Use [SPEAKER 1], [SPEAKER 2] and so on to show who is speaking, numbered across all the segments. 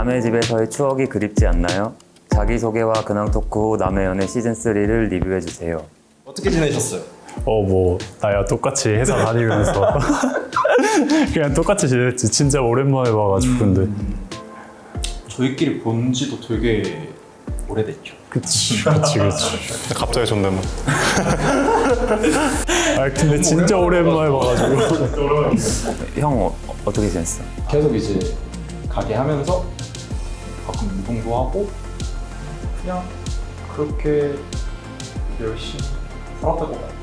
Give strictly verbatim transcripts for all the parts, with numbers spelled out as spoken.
[SPEAKER 1] 남의 집에서의 추억이 그립지 않나요? 자기소개와 근황 토크 후 남의 연애 시즌삼을 리뷰해주세요.
[SPEAKER 2] 어떻게 지내셨어요?
[SPEAKER 3] 어 뭐 나야 똑같이 회사 다니면서 그냥 똑같이 지냈지. 진짜 오랜만에 봐가지고. 근데
[SPEAKER 2] 저희끼리 본 지도 되게 오래됐죠.
[SPEAKER 3] 그치 그치 그치.
[SPEAKER 4] 갑자기 존댓말.
[SPEAKER 3] 아 근데 진짜 오랜만에 봐가지고.
[SPEAKER 1] 형 어, 어떻게 지냈어?
[SPEAKER 2] 계속 이제 가게 하면서 가끔 운동도 하고 그냥 그렇게 열심히 살았다고 봐요.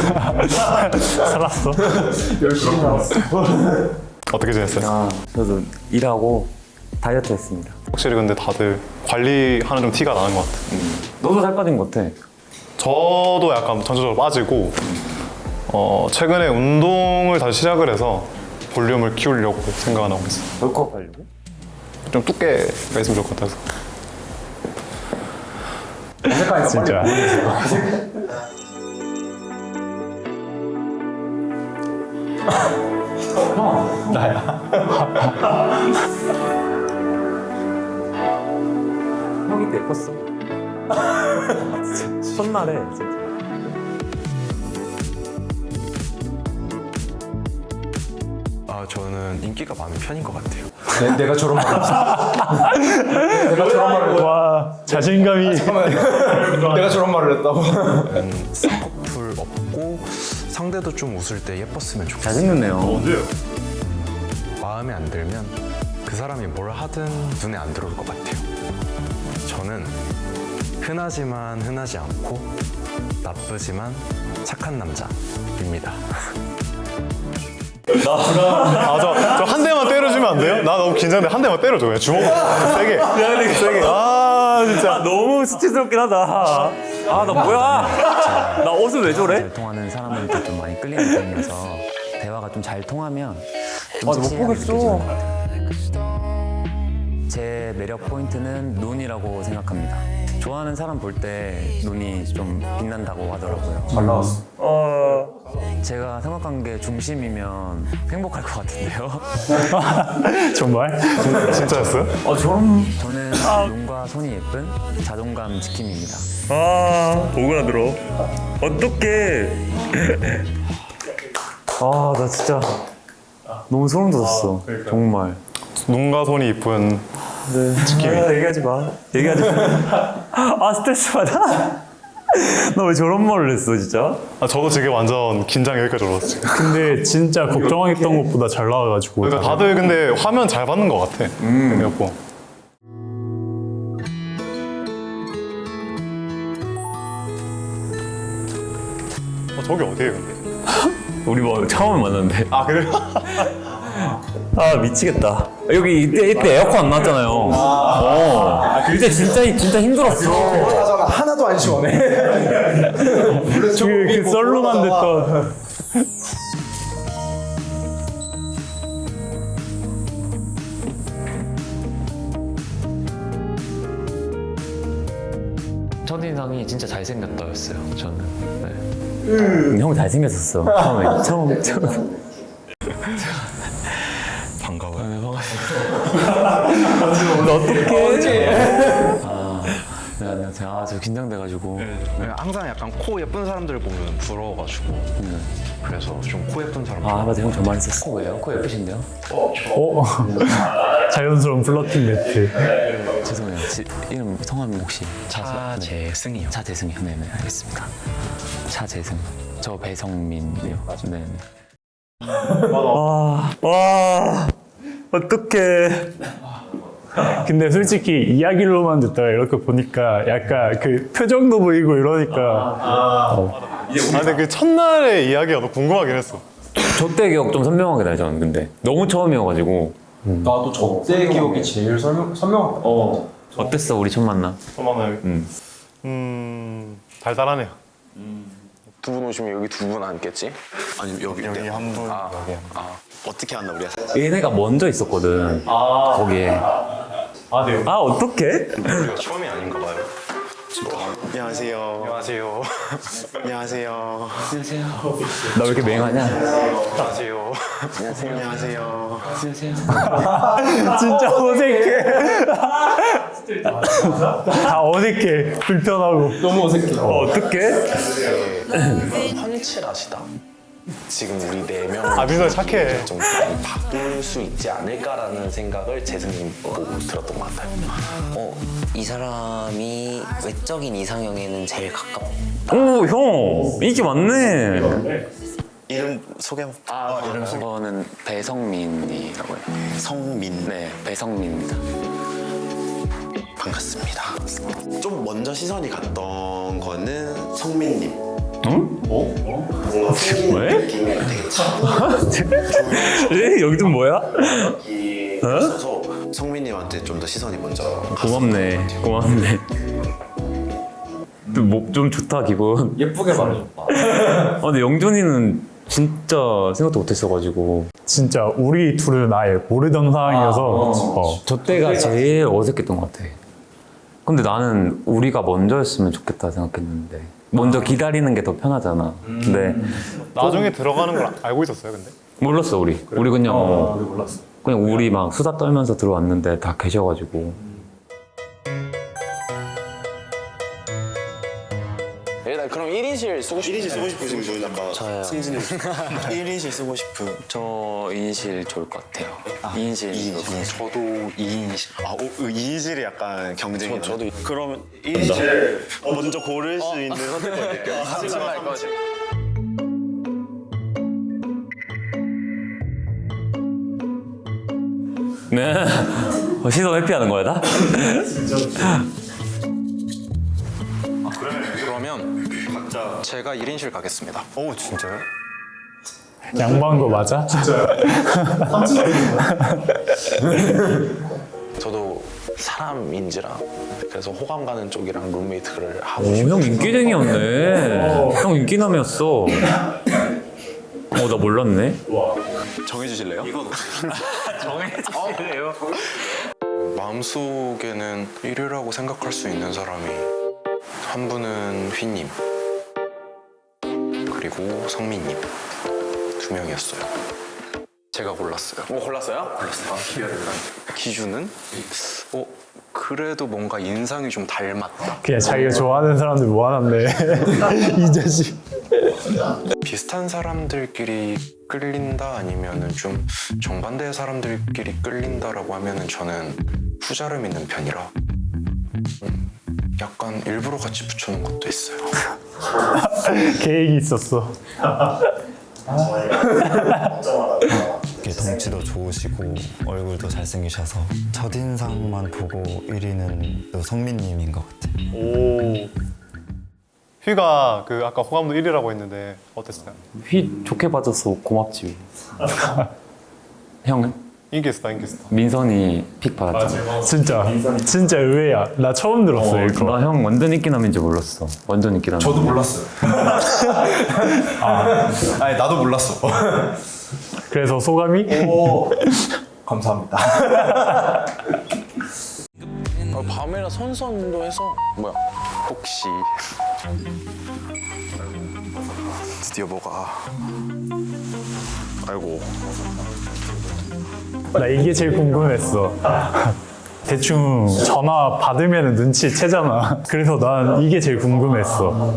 [SPEAKER 3] 살았어?
[SPEAKER 2] 열심히 살았어.
[SPEAKER 4] 어떻게 지냈어요?
[SPEAKER 1] 아, 저도 일하고 다이어트 했습니다.
[SPEAKER 4] 확실히 근데 다들 관리하는 좀 티가 나는 것 같아요.
[SPEAKER 1] 너도 살 빠진 것 같아.
[SPEAKER 4] 저도 약간 전체적으로 빠지고 어, 최근에 운동을 다시 시작을 해서 볼륨을 키우려고 생각을 하고 있어요.
[SPEAKER 1] 벌컥 하려고?
[SPEAKER 4] 좀 두께가 있으면 좋을 것 같아서.
[SPEAKER 3] 진짜.
[SPEAKER 1] 형이 때 예뻤어. 첫날에 진짜.
[SPEAKER 5] 아 저는 인기가 많은 편인 것 같아요.
[SPEAKER 2] 내, 내가 저런 말을 했어. 내가 저런 말을 했
[SPEAKER 3] 와 자신감이.
[SPEAKER 2] 내가 저런 말을 했다고.
[SPEAKER 5] 쌍꺼풀 없고 상대도 좀 웃을 때 예뻤으면 좋겠어요.
[SPEAKER 1] 잘생겼네요.
[SPEAKER 5] 마음에 안 들면 그 사람이 뭘 하든 눈에 안 들어올 것 같아요. 저는 흔하지만 흔하지 않고 나쁘지만 착한 남자입니다.
[SPEAKER 4] 아, 저, 저 한 대만 때려주면 안 돼요? 나 너무 긴장돼. 한 대만 때려줘. 그냥 주먹. 세게. 세게. 아, 진짜.
[SPEAKER 1] 너무 수치스럽긴 하다. 아, 나 뭐야? 나 옷을 왜 저래?
[SPEAKER 6] 잘 통하는 사람한테 좀 많이 끌리는 편이어서 대화가 좀 잘 통하면 좀
[SPEAKER 1] 아, 못
[SPEAKER 6] 섹시하게
[SPEAKER 1] 보겠어.
[SPEAKER 6] 느껴지는 것 같아요. 제 매력 포인트는 눈이라고 생각합니다. 좋아하는 사람 볼 때 눈이 좀 빛난다고 하더라고요.
[SPEAKER 2] 잘 나왔어.
[SPEAKER 6] 제가 삼각관계 중심이면 행복할 것 같은데요.
[SPEAKER 3] 정말?
[SPEAKER 4] 진짜였어요?
[SPEAKER 1] 아, 저런.
[SPEAKER 6] 저는 눈과 손이 예쁜 자존감 지킴입니다.
[SPEAKER 1] 아, 오그라들어. 어떡해. 아, 나 진짜 너무 소름 돋았어. 정말.
[SPEAKER 4] 눈과 손이 이쁜.
[SPEAKER 1] 네. 아, 얘기하지 마. 얘기하지 마. 아, 스트레스 받아. 나 왜 저런 말을 했어, 진짜?
[SPEAKER 4] 아, 저도 지금 완전 긴장 여기까지 올랐어요.
[SPEAKER 3] 근데 진짜 걱정했던 것보다 잘 나와가지고.
[SPEAKER 4] 그러니까 다들 근데 화면 잘 받는 것 같아. 그래갖고. 어, 저기 어디에요, 근데?
[SPEAKER 1] 우리 뭐 처음 만났는데.
[SPEAKER 4] 아, 그래요?
[SPEAKER 1] 아, 미치겠다. 여기 이때, 이때 에어컨 안 나왔잖아요. 어. 그때 진짜, 진짜 힘들었어.
[SPEAKER 2] 하잖아. 하나도 안 시원해.
[SPEAKER 3] 그, 그 썰로만 됐던.
[SPEAKER 6] 첫인상이 진짜 잘생겼다였어요. 저는. 네.
[SPEAKER 1] 음, 형 잘생겼었어. 처음에. 처음, 처음.
[SPEAKER 5] 반가워요.
[SPEAKER 1] 너 어떡해.
[SPEAKER 6] 아, 네, 안녕하세요. 아, 저 긴장돼가지고.
[SPEAKER 5] 항상 약간 코 예쁜 사람들 보면 부러워가지고 그래서 좀 코 예쁜 사람.
[SPEAKER 1] 아, 맞아. 형 저 말했었어.
[SPEAKER 6] 코 왜요? 코 예쁘신데요?
[SPEAKER 3] 어? 자연스러운 플러팅 매트.
[SPEAKER 6] 죄송해요. 지, 이름 성함이 혹시
[SPEAKER 5] 차재승이요.
[SPEAKER 6] 차재승이요. 네네 알겠습니다. 차재승. 저 배성민이요. 네네.
[SPEAKER 1] 와, 와, 어떡해.
[SPEAKER 3] 근데 솔직히 이야기로만 듣다가 이렇게 보니까 약간 그 표정도 보이고 이러니까.
[SPEAKER 4] 아, 근데 그 첫날의 이야기가 너무 궁금하긴 했어.
[SPEAKER 1] 저때 기억 좀 선명하게 나요, 저는 근데. 너무 처음이어가지고.
[SPEAKER 2] 나도 저때 기억이 제일 설명, 선명하다.
[SPEAKER 1] 어. 어땠어, 우리 첫 만남?
[SPEAKER 4] 잠깐만요.
[SPEAKER 1] 음.
[SPEAKER 4] 음, 달달하네요.
[SPEAKER 5] 두 분 오시면 여기 두 분 앉겠지? 아니면 여기
[SPEAKER 4] 여기 한 분,
[SPEAKER 5] 아,
[SPEAKER 4] 여기 한 분.
[SPEAKER 5] 아 어떻게 한다 우리가?
[SPEAKER 1] 얘네가 먼저 있었거든. 거기에.
[SPEAKER 4] 아, 네.
[SPEAKER 1] 아, 어떡해?
[SPEAKER 5] 우리가 처음이 아닌가 봐요.
[SPEAKER 7] 안녕하세요.
[SPEAKER 4] 안녕하세요.
[SPEAKER 7] 안녕하세요.
[SPEAKER 1] 나 왜 이렇게 맹하냐?
[SPEAKER 4] 안녕하세요.
[SPEAKER 7] 안녕하세요.
[SPEAKER 3] 진짜 어색해. 다 어색해. 불편하고.
[SPEAKER 2] 너무 어색해.
[SPEAKER 1] 어, 어떡해?
[SPEAKER 7] 헌칠하시다. 지금 우리 네 명.
[SPEAKER 4] 아 민서 착해.
[SPEAKER 7] 좀 많이 바꿀 수 있지 않을까라는 생각을 재승님 보고 들었던 것 같아요.
[SPEAKER 8] 어, 이 사람이 외적인 이상형에는 제일 가깝다.
[SPEAKER 1] 오, 형! 인기 많네.
[SPEAKER 7] 이름 소개 한번.
[SPEAKER 6] 아, 이름 저는 배성민이라고 해요.
[SPEAKER 7] 성민.
[SPEAKER 6] 네, 배성민입니다.
[SPEAKER 7] 반갑습니다. 좀 먼저 시선이 갔던 거는 성민님.
[SPEAKER 1] 응?
[SPEAKER 7] 뭔가 생긴
[SPEAKER 1] 왜?
[SPEAKER 7] 느낌이 되게 차분하고
[SPEAKER 1] 에? 여기 좀 뭐야?
[SPEAKER 7] 있어서 성민님한테 좀 더 시선이 먼저
[SPEAKER 1] 고맙네. 고맙네. 뭐, 좀 좋다, 기분.
[SPEAKER 2] 예쁘게 말해줬다.
[SPEAKER 1] 아, 근데 영준이는 진짜 생각도 못했어가지고.
[SPEAKER 3] 진짜 우리 둘은 아예 모르던 상황이어서 어.
[SPEAKER 1] 저 때가 제일 어색했던 것 같아. 근데 나는 우리가 먼저였으면 좋겠다 생각했는데. 먼저 기다리는 게 더 편하잖아. 근데
[SPEAKER 4] 나중에 들어가는 걸 알고 있었어요, 근데?
[SPEAKER 1] 몰랐어, 우리. 우리 그냥, 어,
[SPEAKER 2] 우리 몰랐어.
[SPEAKER 1] 그냥 우리 막 수다 떨면서 들어왔는데 다 계셔가지고.
[SPEAKER 7] 일단 그럼 일 인실 쓰고 싶은 일 인실 쓰고 싶으신 분 아까
[SPEAKER 8] 저요.
[SPEAKER 7] 승진님 일 인실 쓰고 싶은
[SPEAKER 6] 저 이인실 좋을 것 같아요. 이인실.
[SPEAKER 7] 이 인실.
[SPEAKER 6] 저도 이인실.
[SPEAKER 7] 아, 오, 이 인실이 약간 경쟁이 저, 저도 그러면 일 인실 먼저 고를 수 있는 선택을 드릴게요.
[SPEAKER 6] 할 거지.
[SPEAKER 1] 네. 어, 시선 회피하는 거야, 나?
[SPEAKER 5] 그러면 제가 일 인실 가겠습니다.
[SPEAKER 7] 오 진짜요?
[SPEAKER 3] 양보한 거 맞아?
[SPEAKER 7] 저도 사람인지라 그래서 호감 가는 쪽이랑 룸메이트를 하고
[SPEAKER 1] 오,
[SPEAKER 7] 싶어요.
[SPEAKER 1] 형 인기쟁이였네. 형 인기남이었어. 어, 나 몰랐네.
[SPEAKER 7] 정해주실래요? 이건
[SPEAKER 1] 정해주실래요?
[SPEAKER 5] 마음속에는 일 위라고 생각할 수 있는 사람이 한 분은 휘님 그리고 성민님 두 명이었어요. 제가 골랐어요.
[SPEAKER 7] 뭐 골랐어요?
[SPEAKER 5] 기준은 어 그래도 뭔가 인상이 좀 닮았다.
[SPEAKER 3] 그냥 자기가 좋아하는 사람들 모아놨네. 이 자식.
[SPEAKER 5] 비슷한 사람들끼리 끌린다 아니면은 좀 정반대의 사람들끼리 끌린다라고 하면은 저는 후자를 믿는 편이라 음, 약간 일부러 같이 붙여놓은 것도 있어요.
[SPEAKER 3] 계획이 있었어.
[SPEAKER 9] 덩치도 좋으시고 얼굴도 잘생기셔서 첫인상만 보고 일 위는 또 성민님인 것 같아요.
[SPEAKER 4] 오. 휘가 그 아까 호감도 일 위라고 했는데 어땠어요?
[SPEAKER 1] 휘 좋게 봐줘서 고맙지. 형은?
[SPEAKER 4] 인기했다, 인기했다.
[SPEAKER 1] 민선이 픽 받았잖아.
[SPEAKER 3] 진짜 진짜 의외야. 나 처음 들었어
[SPEAKER 1] 어,
[SPEAKER 3] 이거.
[SPEAKER 1] 나 형 완전 인기남인 줄 몰랐어. 완전 인기남.
[SPEAKER 2] 저도 몰랐어요. 아니 나도 몰랐어.
[SPEAKER 3] 그래서 소감이?
[SPEAKER 2] 오 감사합니다.
[SPEAKER 7] 어, 밤에나 선선도 해서 뭐야?
[SPEAKER 5] 혹시 드디어 뭐가 아이고
[SPEAKER 3] 나 이게 제일 궁금했어. 대충 전화 받으면 눈치 채잖아. 그래서 난 이게 제일 궁금했어.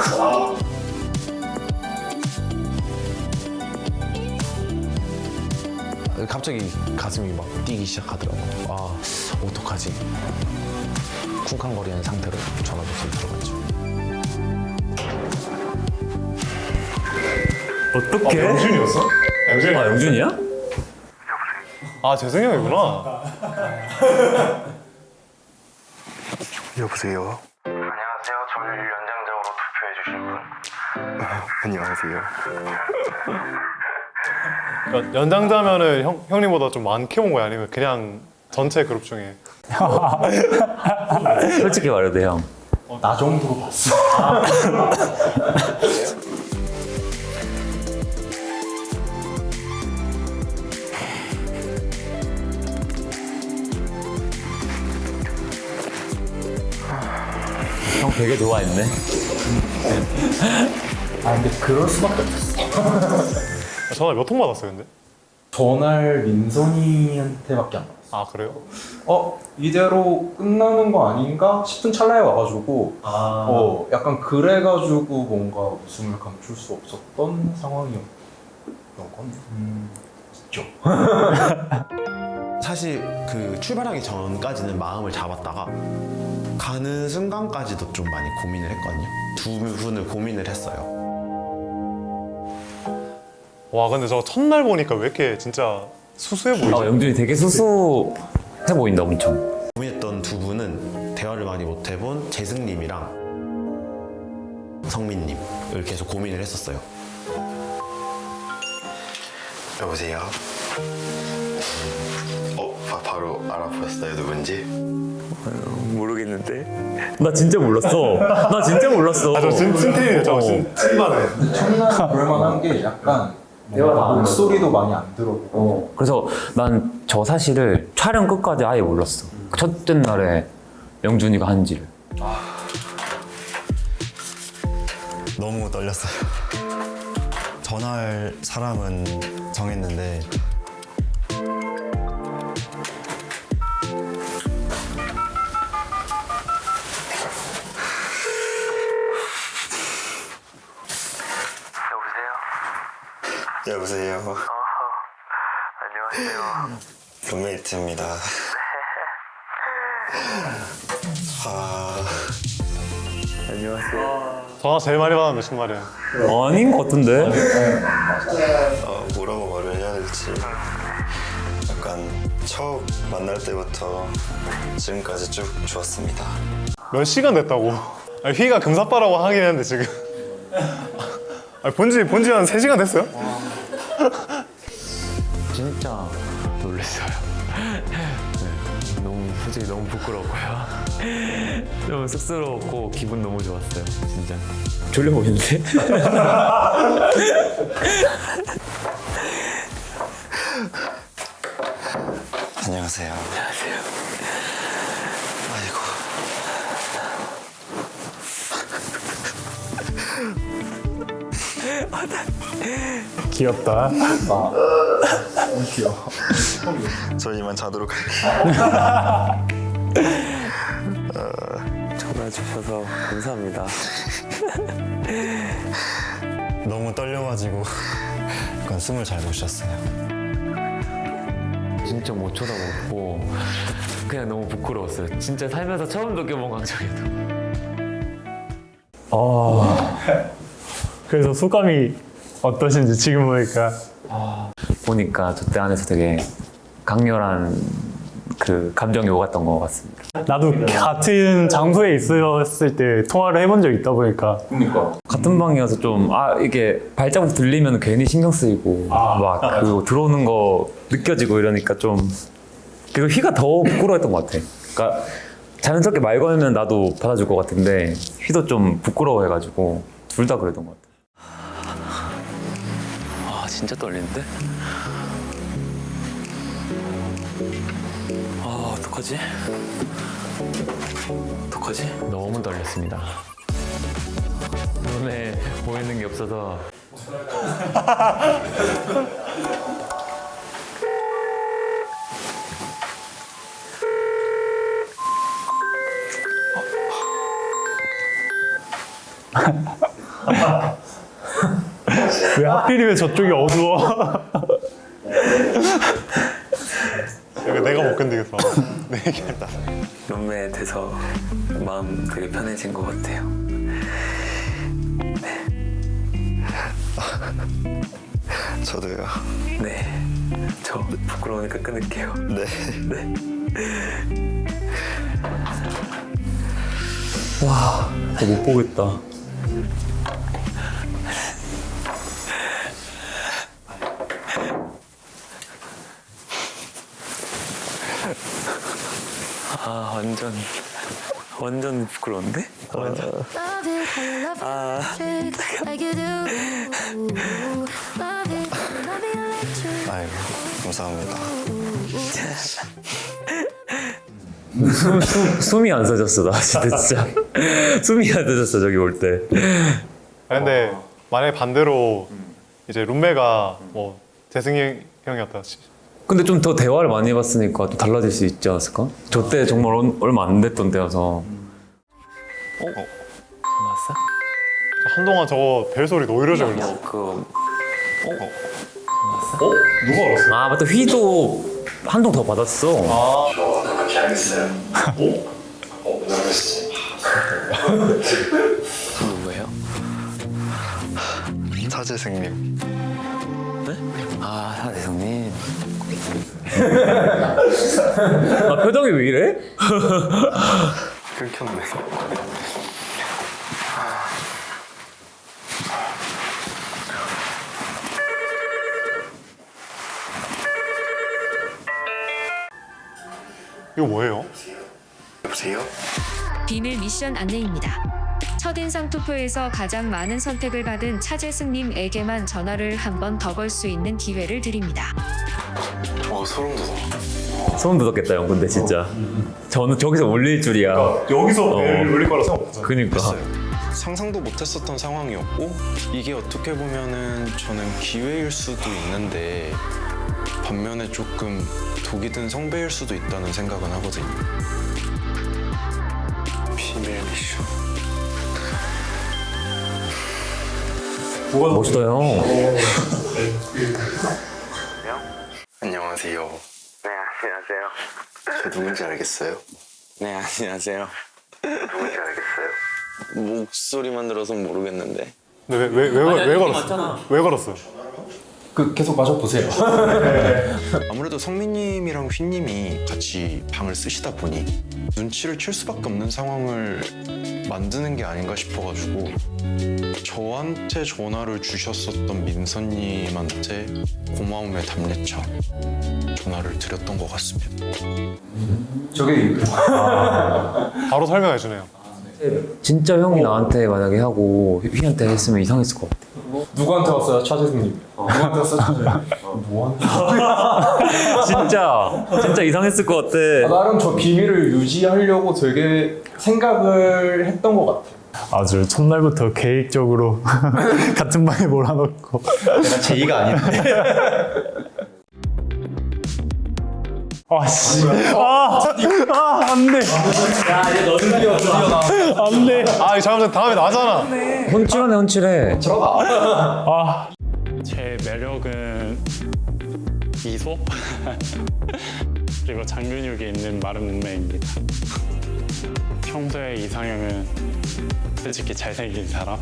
[SPEAKER 7] 갑자기 가슴이 막 뛰기 시작하더라고. 아 어떡하지? 쿵쾅거리는 상태로 전화부터 들어갔죠.
[SPEAKER 1] 어떡해?
[SPEAKER 4] 영준이었어? 영준이.
[SPEAKER 1] 아, 영준이야?
[SPEAKER 4] 아 재승이 형이구나.
[SPEAKER 5] 여보세요.
[SPEAKER 10] 안녕하세요. 저를 연장자로 투표해 주신 분.
[SPEAKER 5] 안녕하세요.
[SPEAKER 4] 연- 연장자면은 형, 형님보다 좀 많게 본 거야? 아니면 그냥 전체 그룹 중에?
[SPEAKER 1] 솔직히 말해도 돼, 형.
[SPEAKER 2] 나 정도로 봤어.
[SPEAKER 1] 형 되게 좋아했네.
[SPEAKER 2] 아 근데 그럴 수밖에 없었어.
[SPEAKER 4] 전화 몇 통 받았어요, 근데?
[SPEAKER 2] 전날 민선이한테밖에 안 받았어.
[SPEAKER 4] 아, 그래요?
[SPEAKER 2] 어 이대로 끝나는 거 아닌가 싶은 찰나에 와가지고
[SPEAKER 4] 아.
[SPEAKER 2] 어 약간 그래가지고 뭔가 웃음을 감출 수 없었던 상황이었던 건 음, 있죠.
[SPEAKER 7] 사실 그 출발하기 전까지는 마음을 잡았다가 가는 순간까지도 좀 많이 고민을 했거든요. 두 분을 고민을 했어요.
[SPEAKER 4] 와, 근데 저 첫날 보니까 왜 이렇게 진짜 수수해 보이지?
[SPEAKER 1] 아, 영준이 되게 수수해 보인다, 엄청.
[SPEAKER 7] 고민했던 두 분은 대화를 많이 못 해본 재승님이랑 성민님을 계속 고민을 했었어요.
[SPEAKER 10] 여보세요? 어? 바, 바로 알아보셨어요 누군지?
[SPEAKER 8] 모르겠는데.
[SPEAKER 1] 나 진짜 몰랐어. 나 진짜 몰랐어.
[SPEAKER 4] 아, 저 찐, 찐텐이에요. 저 찐, 찐만해.
[SPEAKER 2] 첫날 그럴만한 게 약간 뭔가 목소리도 많이 안 들어보고
[SPEAKER 1] 그래서 난 저 사실을 촬영 끝까지 아예 몰랐어. 첫째 날에 영준이가 한지를.
[SPEAKER 9] 너무 떨렸어요. 전할 사람은 정했는데
[SPEAKER 10] 여보세요?
[SPEAKER 11] 어, 안녕하세요.
[SPEAKER 10] 룸메이트입니다. 아...
[SPEAKER 8] 안녕하세요.
[SPEAKER 4] 전화 제일 많이 받았는데, 정말에.
[SPEAKER 1] 아닌 것 같은데?
[SPEAKER 10] 어, 뭐라고 말을 해야 될지 약간 처음 만날 때부터 지금까지 쭉 좋았습니다.
[SPEAKER 4] 몇 시간 됐다고. 아니, 휘가 금사빠라고 하긴 했는데, 지금. 아니, 본지, 본지 한 세 시간 됐어요?
[SPEAKER 6] 진짜 놀랐어요. 네, 너무 솔직히 너무 부끄럽고요. 너무 쑥스러웠고 기분 너무 좋았어요. 진짜.
[SPEAKER 1] 졸려 보이는데?
[SPEAKER 10] 안녕하세요.
[SPEAKER 8] 안녕하세요.
[SPEAKER 10] 아이고.
[SPEAKER 3] 귀엽다.
[SPEAKER 2] 너무 귀여워.
[SPEAKER 10] 저 이만 자도록 할게요.
[SPEAKER 8] 전화 주셔서 감사합니다.
[SPEAKER 9] 너무 떨려가지고 약간 숨을 잘 못 쉬었어요.
[SPEAKER 6] 진짜 못 쳐다보고 그냥 너무 부끄러웠어요. 진짜 살면서 처음 느껴본 감정이었던.
[SPEAKER 3] 아, 그래서 소감이 어떠신지 지금 보니까.
[SPEAKER 1] 보니까 저 때 안에서 되게 강렬한 그 감정이 오갔던 것 같습니다.
[SPEAKER 3] 나도 같은 장소에 있었을 때 통화를 해본 적이 있다 보니까
[SPEAKER 2] 그러니까
[SPEAKER 1] 같은 방이어서 좀, 아, 이게 발자국 들리면 괜히 신경 쓰이고, 막, 그 들어오는 거 느껴지고 이러니까 좀, 그리고 휘가 더 부끄러웠던 것 같아. 그러니까 자연스럽게 말 걸면 나도 받아줄 것 같은데, 휘도 좀 부끄러워해가지고, 둘 다 그랬던 것 같아.
[SPEAKER 8] 아 진짜 떨리는데? 아 어떡하지? 어떡하지?
[SPEAKER 6] 너무 떨렸습니다. 눈에 보이는 게 없어서.
[SPEAKER 3] 왜 하필이면 저쪽이 어두워?
[SPEAKER 4] 이거 내가 못 견디겠어. 내 얘기했다.
[SPEAKER 8] 룸메 돼서 마음 되게 편해진 것 같아요.
[SPEAKER 10] 저도요.
[SPEAKER 8] 네. 저 부끄러우니까 끊을게요.
[SPEAKER 10] 네.
[SPEAKER 8] 네.
[SPEAKER 1] 저 못 보겠다.
[SPEAKER 8] 아 완전 완전 부끄러운데? 아
[SPEAKER 10] 아이고 감사합니다.
[SPEAKER 1] 숨, 숨, 숨이 안 서졌어 나 진짜 진짜 숨이 안 서졌어 저기 올 때.
[SPEAKER 4] 아, 근데 만약에 반대로 이제 룸메가 뭐 재승이 형이었다.
[SPEAKER 1] 근데 좀 더 대화를 많이 해봤으니까 또 달라질 수 있지 않았을까? 저 때 정말 얼- 얼마 안 됐던 때여서.
[SPEAKER 4] 한동안 저거 벨 소리 노이로제 걸렸어.
[SPEAKER 8] 그
[SPEAKER 4] 누가 알았어?
[SPEAKER 1] 아 맞다 휘도 한 통 더 받았어.
[SPEAKER 8] 누구예요?
[SPEAKER 10] 차재승님.
[SPEAKER 8] 아 사대성님.
[SPEAKER 1] 아 표정이 왜 이래?
[SPEAKER 10] 끊겼네.
[SPEAKER 4] 이거 뭐예요?
[SPEAKER 10] 여보세요?
[SPEAKER 11] 비밀 미션 안내입니다. 첫인상 투표에서 가장 많은 선택을 받은 차재승님에게만 전화를 한 번 더 걸 수 있는 기회를 드립니다.
[SPEAKER 10] 와 소름 돋아.
[SPEAKER 1] 소름 돋았겠다 형 근데 진짜. 저는 저기서 올릴 줄이야.
[SPEAKER 4] 여기서 벨 울릴 거라 생각 못했어요.
[SPEAKER 1] 그니까.
[SPEAKER 12] 상상도 못했었던 상황이었고 이게 어떻게 보면은 저는 기회일 수도 있는데 반면에 조금 독이 든 성배일 수도 있다는 생각은 하거든요.
[SPEAKER 10] 비밀 미션.
[SPEAKER 1] 멋있다 형.
[SPEAKER 10] 안녕하세요. 네 안녕하세요. 저 누군지 알겠어요?
[SPEAKER 8] 네 안녕하세요.
[SPEAKER 10] 누군지 알겠어요?
[SPEAKER 8] 목소리만 들어서 모르겠는데.
[SPEAKER 4] 근데 왜, 왜, 왜, 왜 걸었어? 왜 걸었어요?
[SPEAKER 2] 그 계속 마셔보세요.
[SPEAKER 12] 아무래도 성민님이랑 휘님이 같이 방을 쓰시다 보니 눈치를 칠 수밖에 없는 상황을 만드는 게 아닌가 싶어가지고 저한테 전화를 주셨었던 민서님한테 고마움의 답례차 전화를 드렸던 것 같습니다.
[SPEAKER 2] 저게
[SPEAKER 4] 바로 설명해 주네요.
[SPEAKER 1] 진짜 형이 나한테 만약에 하고 휘한테 했으면 이상했을 것 같아.
[SPEAKER 2] 누구한테 왔어요, 차재승님? 누구한테 왔어요, 차재승님? 뭐한테?
[SPEAKER 1] 진짜 진짜 이상했을 것 같아.
[SPEAKER 2] 아, 나름 저 비밀을 유지하려고 되게 생각을 했던 것 같아요.
[SPEAKER 3] 아주 첫날부터 계획적으로 같은 방에 몰아넣고.
[SPEAKER 7] 내가 제이가 아닌데.
[SPEAKER 3] 아씨. 아, 아, 안 돼.
[SPEAKER 2] 야, 이제 너는 드디어 드디어 나.
[SPEAKER 3] 안 돼.
[SPEAKER 4] 아, 잘못했 다음에 나잖아.
[SPEAKER 1] 혼칠하네 혼칠해.
[SPEAKER 3] 아.
[SPEAKER 13] 제 매력은 미소 그리고 장근육이 있는 마른 몸매입니다. 평소에 이상형은 솔직히 잘생긴 사람.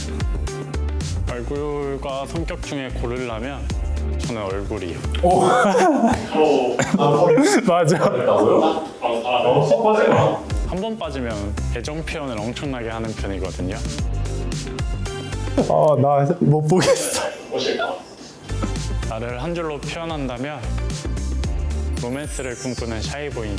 [SPEAKER 13] 얼굴과 성격 중에 고르려면 저는 얼굴이요.
[SPEAKER 3] 오. 맞아.
[SPEAKER 13] 한 번 빠지면 애정 표현을 엄청나게 하는 편이거든요.
[SPEAKER 3] 아, 나 못 보겠어.
[SPEAKER 13] 나를 한 줄로 표현한다면 로맨스를 꿈꾸는 샤이보이.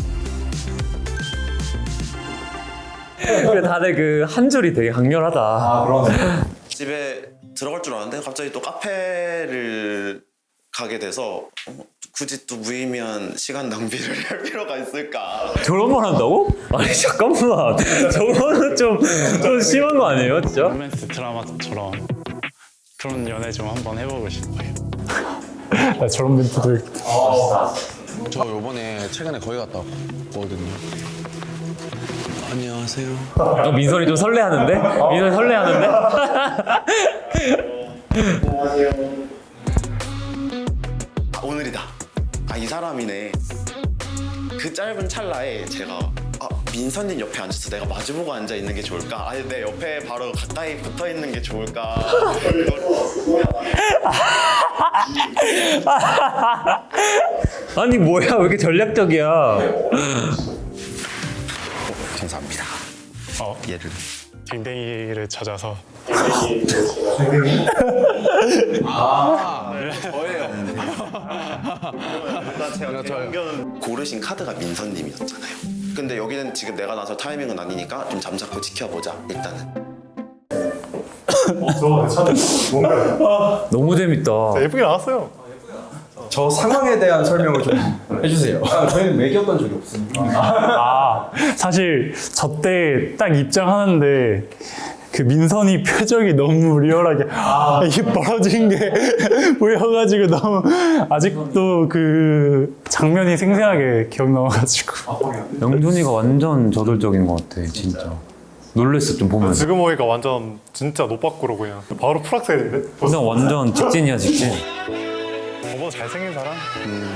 [SPEAKER 1] 그래 다들 그 한 줄이 되게 강렬하다.
[SPEAKER 2] 아 그러네.
[SPEAKER 7] 집에 들어갈 줄 알았는데 갑자기 또 카페를 가게 돼서 어, 굳이 또 무의미한 시간 낭비를 할 필요가 있을까?
[SPEAKER 1] 저런 말 한다고? 아니 잠깐만. 저거는 좀, 좀 심한 거 아니에요 진짜?
[SPEAKER 13] 로맨스 드라마처럼 그런 연애 좀 한번 해보고 싶어요.
[SPEAKER 3] 나 저런 멘트들.
[SPEAKER 12] 저 요번에 최근에 거기 갔다 왔거든요. 안녕하세요.
[SPEAKER 1] 어, 민선이 좀 설레하는데? 민선이 설레하는데?
[SPEAKER 7] 아, 오늘이다. 아 이 사람이네. 그 짧은 찰나에 제가 아 민선님 옆에 앉아서 내가 마주보고 앉아 있는 게 좋을까? 아니 내 옆에 바로 가까이 붙어 있는 게 좋을까?
[SPEAKER 1] 아니 뭐야 왜 이렇게 전략적이야?
[SPEAKER 7] 감사합니다.
[SPEAKER 13] 어,
[SPEAKER 7] 얘를
[SPEAKER 13] 댕댕이를 찾아서.
[SPEAKER 7] 아 저예요. 일단 제가 대형견 고르신 카드가 민선님이었잖아요. 근데 여기는 지금 내가 나설 타이밍은 아니니까 좀 잠자코 지켜보자 일단은.
[SPEAKER 1] 너무 재밌다.
[SPEAKER 4] 예쁘게 나왔어요.
[SPEAKER 2] 저 상황에 대한 설명을 좀 해주세요. 아, 저희는 매겼던 적이 없으니까.
[SPEAKER 3] 아, 사실 저 때 딱 입장하는데 그 민선이 표정이 너무 리얼하게 아, 이게 벌어진 게 보여가지고 너무 아직도 그 장면이 생생하게 기억나가지고.
[SPEAKER 1] 영준이가 완전 저돌적인 것 같아 진짜. 놀랬어 좀 보면.
[SPEAKER 4] 지금 보니까 완전 진짜 노빠꾸로 그냥 바로 프락셀인데?
[SPEAKER 1] 그냥 완전 직진이야 직진.
[SPEAKER 4] 저보다 잘생긴 사람? 음.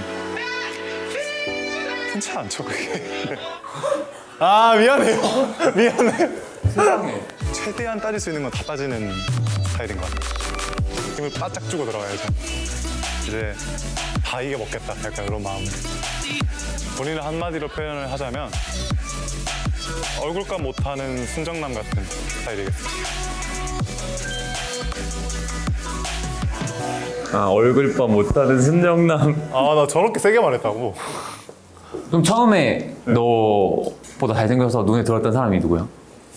[SPEAKER 4] 흔치 않죠 그게. 아 미안해요. 미안해요. 세상에. 최대한 따질 수 있는 건 다 따지는 스타일인 것 같아요. 힘을 바짝 주고 들어가야죠. 이제 다 이겨먹겠다 약간 이런 마음으로. 본인을 한마디로 표현을 하자면 얼굴값 못하는 순정남 같은 스타일이겠습니다.
[SPEAKER 1] 아 얼굴밥 못하는 순정남.
[SPEAKER 4] 아 나 저렇게 세게 말했다고?
[SPEAKER 1] 그럼 처음에 너보다 잘생겨서 눈에 들어왔던 사람이 누구야?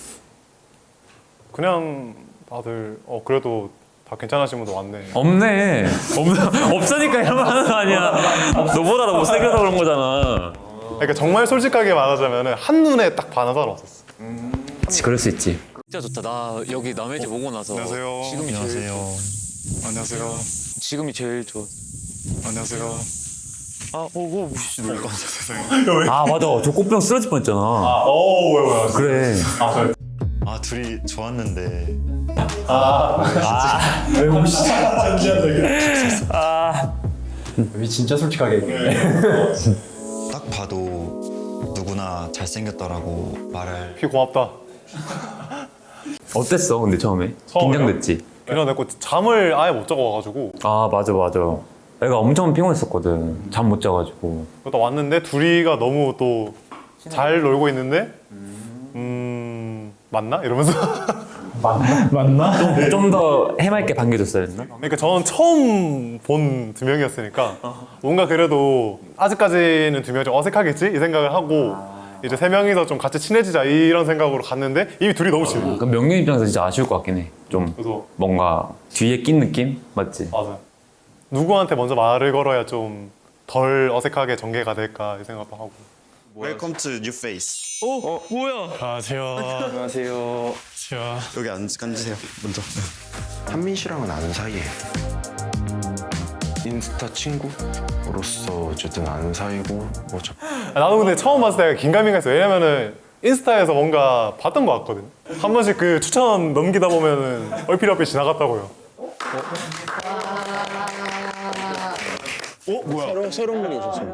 [SPEAKER 4] 그냥 다들 어 그래도 다 괜찮으신 분도 왔네.
[SPEAKER 1] 없네. 없, 없으니까 이런 말 하는 거 아니야. 너보다 더 못생겨서 그런 거잖아.
[SPEAKER 4] 그러니까 정말 솔직하게 말하자면 한눈에 딱 반한 사람 없었어.
[SPEAKER 1] 그치 그럴 수 있지.
[SPEAKER 6] 진짜 좋다. 나 여기 남의 집 오고 나서
[SPEAKER 4] 안녕하세요.
[SPEAKER 6] 지금이 제일 좋아.
[SPEAKER 4] 안녕하세요.
[SPEAKER 6] 지금이 제일 좋아.
[SPEAKER 4] 안녕하세요.
[SPEAKER 6] 아, 오고 무시 놀
[SPEAKER 1] 아 맞아. 저 꽃병 쓰러질 뻔했잖아.
[SPEAKER 4] 어, 왜, 왜, 왜.
[SPEAKER 1] 그래.
[SPEAKER 9] 아 둘이 좋았는데
[SPEAKER 2] 왜 혹시 아, 왜 진짜 솔직하게 얘기해.
[SPEAKER 9] 딱 봐도 누구나 잘생겼다라고 말할.
[SPEAKER 4] 피 고맙다.
[SPEAKER 1] 어땠어 근데 처음에?
[SPEAKER 4] 처음에요?
[SPEAKER 1] 긴장됐지?
[SPEAKER 4] 일어났고 잠을 아예 못 자고 와가지고
[SPEAKER 1] 아 맞아 맞아. 애가 엄청 피곤했었거든. 잠 못 자가지고.
[SPEAKER 4] 그러다 왔는데 둘이가 너무 또 잘 놀고 있는데 음 맞나? 이러면서
[SPEAKER 3] 맞나?
[SPEAKER 1] 좀 더 해맑게 반겨줬어야 했나?
[SPEAKER 4] 그러니까 저는 처음 본 두 명이었으니까 뭔가 그래도 아직까지는 두 명이 좀 어색하겠지? 이 생각을 하고 이제 세 명이서 좀 같이 친해지자 이런 생각으로 갔는데 이미 둘이 너무 친해.
[SPEAKER 1] 그럼 명륜 입장에서 진짜 아쉬울 것 같긴 해. 좀
[SPEAKER 4] 그래서
[SPEAKER 1] 뭔가 뒤에 낀 느낌? 맞지?
[SPEAKER 4] 맞아. 누구한테 먼저 말을 걸어야 좀 덜 어색하게 전개가 될까 이 생각도 하고.
[SPEAKER 7] Welcome to New Face.
[SPEAKER 6] 어, 뭐야?
[SPEAKER 13] 안녕하세요.
[SPEAKER 12] 안녕하세요.
[SPEAKER 13] 안녕하세요.
[SPEAKER 7] 여기 앉, 앉으세요 먼저.
[SPEAKER 12] 한민 씨랑은 아는 사이예요. 인스타 친구로서 어쨌든 아는 사이고 뭐죠.
[SPEAKER 4] 나도 근데 처음 봤을 때 긴가민가했어. 왜냐면은 인스타에서 뭔가 봤던 것 같거든. 한 번씩 그 추천 넘기다 보면은 얼핏얼핏 지나갔다고요. 어? 뭐야?
[SPEAKER 12] 새로운 새로운 분이 오셨어요.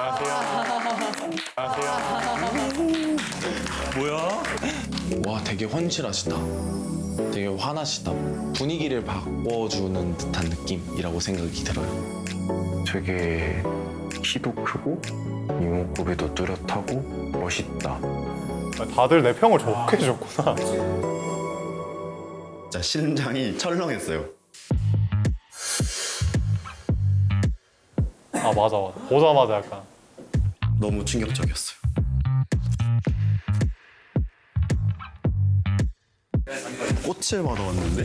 [SPEAKER 12] 와 되게 헌칠하시다. 되게 화나시다. 분위기를 바꿔주는 듯한 느낌이라고 생각이 들어요. 되게 키도 크고 이목구비도 뚜렷하고 멋있다.
[SPEAKER 4] 다들 내 평을 좋게 해줬구나.
[SPEAKER 7] 진짜 심장이 철렁했어요.
[SPEAKER 4] 아 맞아 맞아. 보자마자 약간
[SPEAKER 7] 너무 충격적이었어요. 꽃을 받아왔는데?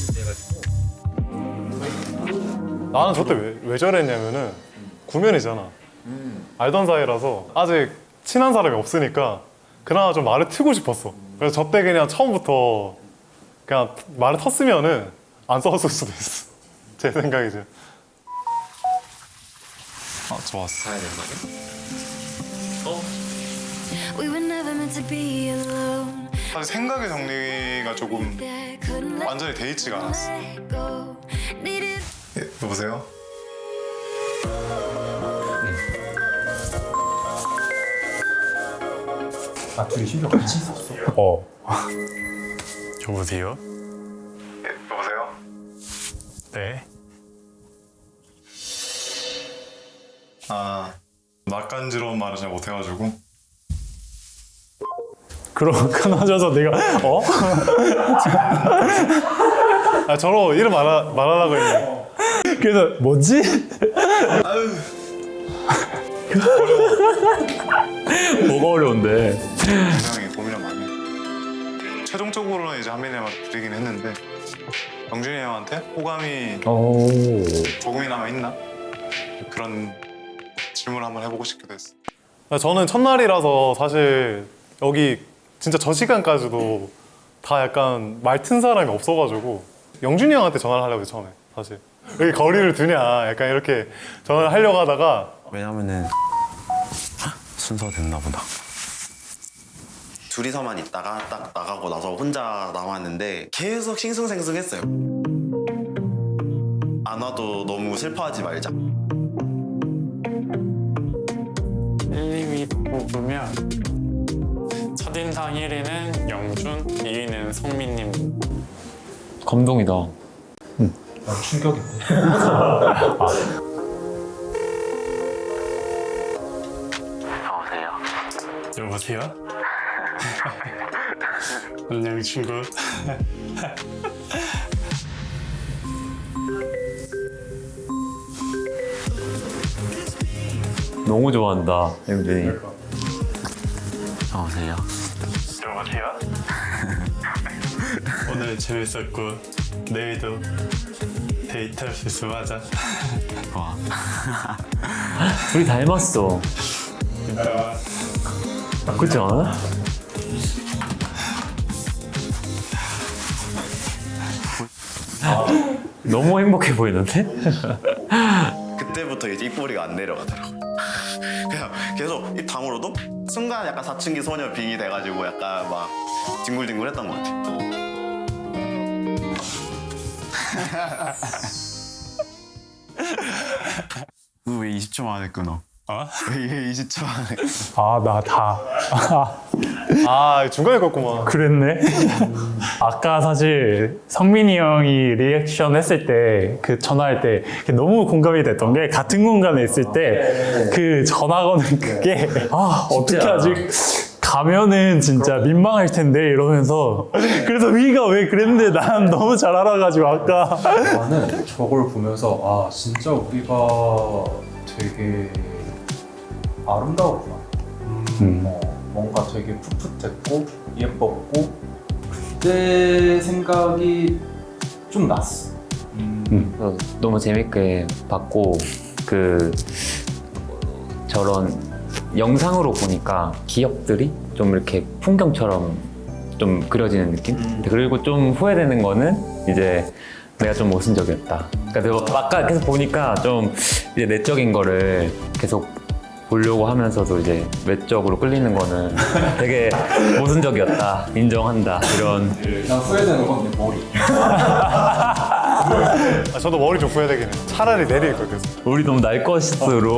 [SPEAKER 4] 나는 저때 왜, 왜 저랬냐면은 구면이잖아. 알던 사이라서 아직 친한 사람이 없으니까 그나마 좀 말을 트고 싶었어. 그래서 저때 그냥 처음부터 그냥 말을 텄으면은 안 싸웠을 수도 있어. 제 생각이지.
[SPEAKER 9] 아 좋았어.
[SPEAKER 14] We were never meant to be alone.
[SPEAKER 4] 사실 생각의 정리가 조금 완전히 돼 있지가 않았어. 예, 여보세요?
[SPEAKER 2] 아 둘이 심지어 같이 있었어.
[SPEAKER 3] 어.
[SPEAKER 13] 여보세요?
[SPEAKER 4] 예, 여보세요?
[SPEAKER 13] 네.
[SPEAKER 4] 아 낯간지러운 말을 잘 못해가지고
[SPEAKER 3] 그럼 끊어져서 내가 어?
[SPEAKER 4] 아 저로 이름 말하, 말하려고 했는데
[SPEAKER 3] 그래서 뭐지?
[SPEAKER 1] 뭐가 어려운데?
[SPEAKER 4] 굉장히 고민을 많이 했고 최종적으로는 이제 한민이 형한테 드리긴 했는데 영준이 형한테 호감이
[SPEAKER 1] 오.
[SPEAKER 4] 조금이나마 있나? 그런 질문을 한번 해보고 싶기도 했어요. 저는 첫날이라서 사실 여기 진짜 저 시간까지도 다 약간 말튼 사람이 없어가지고 영준이 형한테 전화를 하려고 했어요, 처음에. 사실 여기 거리를 두냐 약간 이렇게 전화를 하려고 하다가
[SPEAKER 9] 왜냐면은 순서 됐나 보다.
[SPEAKER 7] 둘이서만 있다가 딱 나가고 나서 혼자 남았는데 계속 싱숭생숭했어요. 안 와도 너무 슬퍼하지 말자.
[SPEAKER 13] 일, 이 위 뽑으면 첫인상 일 위는 영준, 이 위는 성민님.
[SPEAKER 1] 감동이다.
[SPEAKER 2] 난 충격인데.
[SPEAKER 13] 여보세요? 안녕 친구.
[SPEAKER 1] 너무 좋아한다, 영준이.
[SPEAKER 9] 여보세요?
[SPEAKER 13] 여보세요? 오늘 재밌었고 내일도 데이트할 수 있으면 하자.
[SPEAKER 9] 와.
[SPEAKER 1] 둘이 닮았어. 그렇지 않아? 너무 행복해 보이는데?
[SPEAKER 7] 그때부터 이제 입꼬리가 안 내려가더라고요. 그냥 계속 입 다물어도 순간 약간 사춘기 소녀 빙이 돼가지고 약간 막 뒹굴뒹굴했던 것 같아요.
[SPEAKER 9] 너 왜 이십 초 만에 끊어?
[SPEAKER 13] 어?
[SPEAKER 9] 왜 이십 초 만에?
[SPEAKER 3] 아, 나 다.
[SPEAKER 4] 아 중간에 껐구만.
[SPEAKER 3] 그랬네. 아까 사실 성민이 형이 리액션 했을 때 그 전화할 때 너무 공감이 됐던 게 같은 공간에 있을 때 그 전화 거는 그게 아 어떻게 하지? 가면은 진짜 민망할 텐데 이러면서 그래서 위가 왜 그랬는데 난 너무 잘 알아가지고 아까
[SPEAKER 2] 나는 저걸 보면서 아 진짜 우리가 되게 아름다웠구나.
[SPEAKER 3] 음.
[SPEAKER 2] 어, 뭔가 되게 풋풋했고 예뻤고 그때 생각이 좀 났어. 음.
[SPEAKER 1] 그래서 너무 재밌게 봤고 그 저런 영상으로 보니까 기억들이 좀 이렇게 풍경처럼 좀 그려지는 느낌? 그리고 좀 후회되는 거는 이제 내가 좀 모순적이었다. 그러니까 아까 계속 보니까 좀 이제 내적인 거를 계속 보려고 하면서도 이제 외적으로 끌리는 거는 되게 모순적이었다. 인정한다. 이런.
[SPEAKER 2] 난 후회되는 건 내 머리.
[SPEAKER 4] 아, 저도 머리 좀 후회되긴 해. 차라리 내릴 걸 그래서.
[SPEAKER 1] 우리 너무 날 것으로.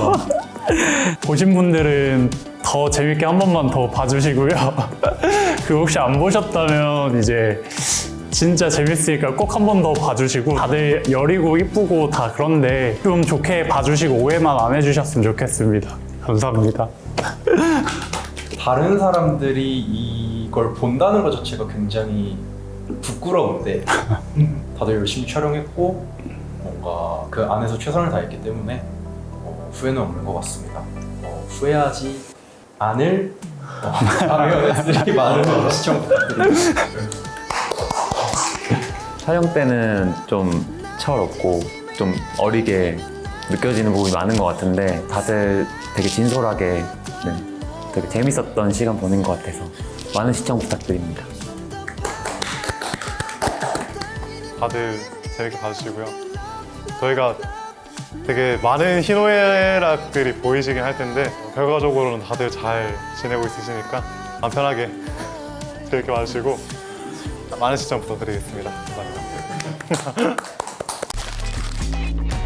[SPEAKER 3] 보신 분들은 더 재밌게 한 번만 더 봐주시고요. 그 혹시 안 보셨다면 이제 진짜 재밌으니까 꼭 한 번 더 봐주시고 다들 여리고 이쁘고 다 그런데 좀 좋게 봐주시고 오해만 안 해주셨으면 좋겠습니다. 감사합니다.
[SPEAKER 2] 다른 사람들이 이걸 본다는 것 자체가 굉장히 부끄러운데 다들 열심히 촬영했고 뭔가 그 안에서 최선을 다했기 때문에 어, 후회는 없는 것 같습니다. 어, 후회하지 않을 어, 아메어네스들이 많은 시청 부탁드립니다.
[SPEAKER 1] 촬영 때는 좀 철없고 좀 어리게 느껴지는 부분이 많은 것 같은데 다들 되게 진솔하게 네, 되게 재밌었던 시간 보낸 것 같아서 많은 시청 부탁드립니다.
[SPEAKER 4] 다들 재밌게 봐주시고요. 저희가 되게 많은 희노애락들이 보이시긴 할 텐데 결과적으로는 다들 잘 지내고 있으시니까 마음 편하게 재밌게 봐주시고 많은 시청 부탁드리겠습니다. 감사합니다.